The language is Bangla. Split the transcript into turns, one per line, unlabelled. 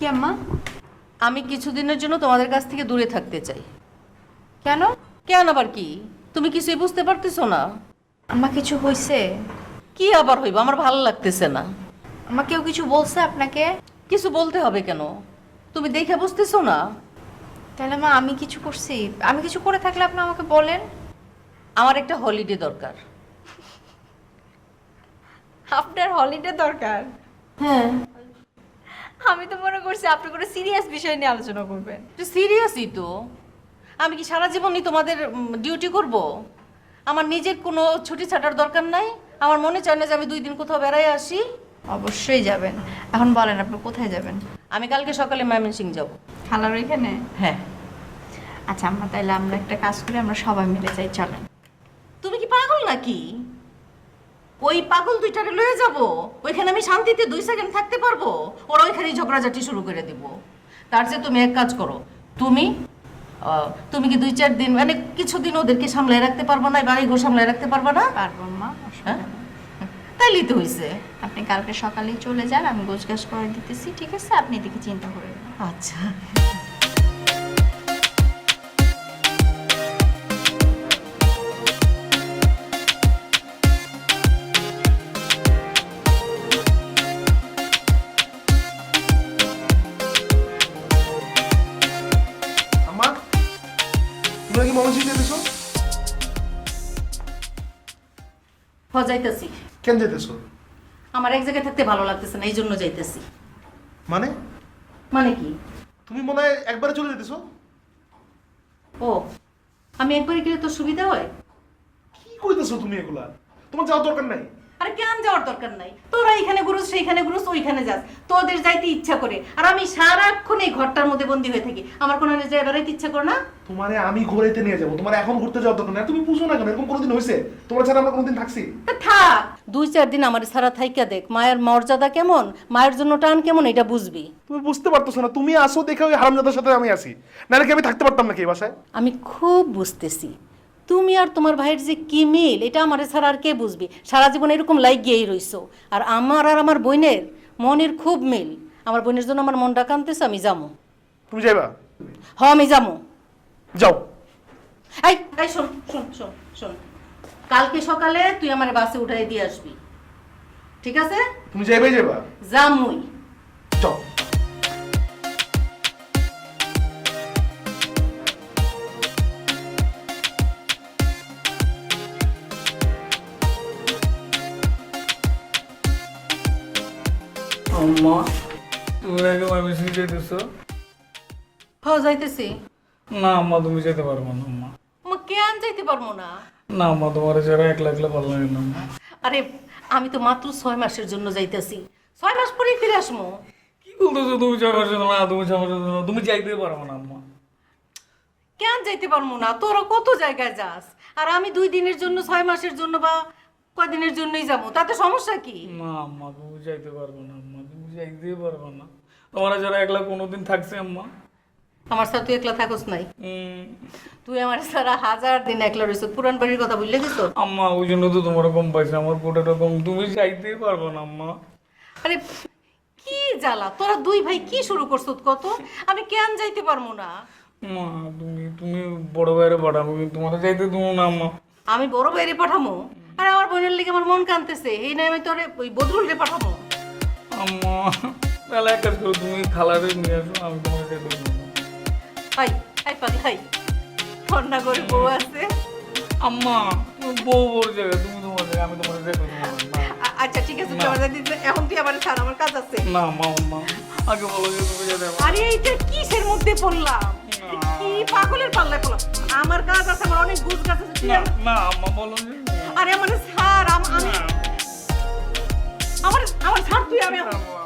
কি আম্মা?
আমি কিছুদিনের জন্য তোমাদের কাছ থেকে দূরে থাকতে চাই।
কেন?
কেন আবার কি? তুমি কিছুই বুঝতে পারতেছো না?
আম্মা কিছু হয়েছে?
কি আবার হইব? আমার ভালো লাগতেছে না।
আম্মা কেউ কিছু বলছে আপনাকে?
কিছু বলতে হবে কেন? তুমি দেখে বুঝতেছো না?
তাহলে মা আমি কিছু করছি? আমি কিছু করে থাকলে আপনি আমাকে বলেন।
আমার একটা হলিডে দরকার।
আপনার হলিডে দরকার?
হ্যাঁ।
আমি তো মনে করছি আপনি কোনো সিরিয়াস বিষয় নিয়ে আলোচনা করবেন।
সিরিয়াসই তো। আমি কি সারা জীবনই তোমাদের ডিউটি করব? আমার নিজের কোনো ছুটি ছাটার দরকার নাই? আমার মনে চায় না যে আমি 2 দিন কোথাও বেড়াই আসি?
অবশ্যই যাবেন। এখন বলেন আপনি কোথায় যাবেন?
আমি কালকে সকালে ময়মনসিংহ যাব।
খালার ওইখানে?
হ্যাঁ।
আচ্ছা আম্মা, তাহলে আমরা একটা কাজ করি, আমরা সবাই মিলে যাই, চলেন।
তুমি কি পাগল নাকি? ওই পাগল দুইটারে লয়ে যাব? ওইখানে আমি শান্তিতে 2 সেকেন্ড থাকতে পারবো? ওরা ওইখানেই ঝগড়াঝাটি শুরু করে দিব। তার চেয়ে তুমি এক কাজ করো। তুমি কি 2-4 দিন মানে কিছুদিন ওদেরকে সামলায় রাখতে পারবো না? বাড়ি ঘর সামলায় রাখতে পারবো না?
পারবো মা,
হ্যাঁ, তাইলেই তো হইছে।
আপনি কালকে সকালেই চলে যান, আমি গোছগাছ করে দিতেছি, ঠিক আছে? আপনি এদিকে চিন্তা করবেন না।
আচ্ছা।
আম্মা, তোমরা কি ময়মনসিংহ যেতেছো?
যাইতেছি।
কেন যেতেছো?
আমার এক জায়গায় থাকতে ভালো লাগতেছে না, এই জন্য যাইতেছি।
মানে
মানে কি?
তুমি মনে হয় একবারে চলে যেতেছো?
ও, আমি একবারে গেলে তো সুবিধা হয়?
কি কইতেছো তুমি এগুলা? তোমার যাওয়ার দরকার নাই।
আরে কেন যাওয়ার দরকার নাই? তোরা এখানে ঘুরুস, সেইখানে ঘুরুস, ওইখানে যাস, তোদের যাইতে ইচ্ছা করে, আর আমি সারাক্ষণ এই ঘরটার মধ্যে বন্দি হয়ে থাকি। আমার কোনো জায়গায় বেড়াইতে ইচ্ছা করে না?
তোমারে আমি ঘুরাইতে নিয়ে যাবো, তোমার এখন ঘুরতে যাওয়ার দরকার নাই। তুমি বুঝো না কেন? এরকম কোনোদিন হয়েছে তোমার ছাড়া আমরা কোনোদিন থাকছি?
তা থাক, 2-4 দিন আমার সারা থাইকা দেখ মায়ের মর্যাদা কেমন, মায়ের জন্য টান কেমন, এটা বুঝবি।
তুমি বুঝতে পারতেছো না? তুমি আসো দেখে ওই হারামজাদার সাথে আমি আসি, নাহলে কি আমি থাকতে পারতাম নাকি এই বাসায়?
আমি খুব বুঝতেছি তুমি আর তোমার ভাইয়ের যে কি মিল, এটা আমার ছাড়া আর কে বুঝবি? সারা জীবন এরকম লাগিয়েই রইছো। আর আমার বোনের মনের খুব মিল। আমার বোনের জন্য আমার মনটা কাঁদতেছে, আমি যাবো।
তুমি যাইবা?
আমি যাবো।
যাও।
এই এই শোন শোন শোন শোন, কালকে সকালে তুই আমার বাসে উঠাই দিয়ে আসবি, ঠিক আছে?
তুমি যাইবাই যাইবা?
যামুই।
যাও।
আম্মা, তুমি আগে ময়মনসিংহ যেতেছো?
যাইতেছি।
না আম্মা, তুমি যেতে পারবো না আম্মা।
কেন যাইতে পারবো না?
না আম্মা, তোমার যারা একলা একলা ভালো লাগে না আম্মা।
আরে আমি তো মাত্র 6 মাসের জন্য যাইতেছি, 6 মাস পরেই ফিরে আসবো।
কি বলতেছো তুমি? 6 মাসের জন্য? না, তুমি 6 মাসের জন্য তুমি যাইতে পারবো না আম্মা।
কেন যাইতে পারবো না? তোরা কত জায়গায় যাস, আর আমি 2 দিনের জন্য, 6 মাসের জন্য বা কয়দিনের জন্যই যাবো, তাতে সমস্যা কি?
না আম্মা, তুমি যাইতে পারবো না আম্মা, তুমি যাইতে পারবো না। তোমার যারা একলা কোনোদিন থাকছে আম্মা?
আমার সাথে তুই একলা থাকস নাই?
হুম।
তুই আমার সারা 1000 দিন একলা রইছ, পুরান বাড়ির কথা ভুলে গেছ?
আম্মা, ওই জন্য তো তোমার কম পাইছে, আমার কোটাটা কম। তুমি যাইতে পারবো না আম্মা।
আরে কি জ্বালা, তোরা 2 ভাই কি শুরু করছ কত? আমি কেন যাইতে পারবো না?
মা, তুমি তুমি বড় ভাইয়ের পাঠাবো, কিন্তু তোমার যাইতে দেবো না আম্মা।
আমি বড় বাইরে পাঠামো? আরে আমার বোনের লিগে আমার মন কানতেছে, এই নাই আমি তোরে ওই বদরুলরে পাঠামো।
আম্মা, তাহলে এক কাজ করো, তুমি খালারে নিয়ে আসো, আমি তোমার যেতে দেবো না।
হাই হাই পাগল হাই, কন্যা করে বউ আছে।
আম্মা, তুমি বউ বড় জায়গা, তুমি তোমার জায়গা, আমি তোমার যেতে দেবো না।
আচ্ছা ঠিক আছে, তুই আমার দিতে এখন, তুই আমার ছাড়, আমার কাজ আছে।
না আম্মা, আম্মা আগে বলো যে তুমি যেতে পারো।
আরে এইটা কিসের মধ্যে পড়লাম? কি পাগলের পাল্লায় পড়লাম? আমার কাজ আছে, আমার অনেক গুজ কাজ আছে।
না না আম্মা, বলো যে
আরে আমার ছাড়, আমি
না।
আমার ছাড় তুই, আমি
আম্মা,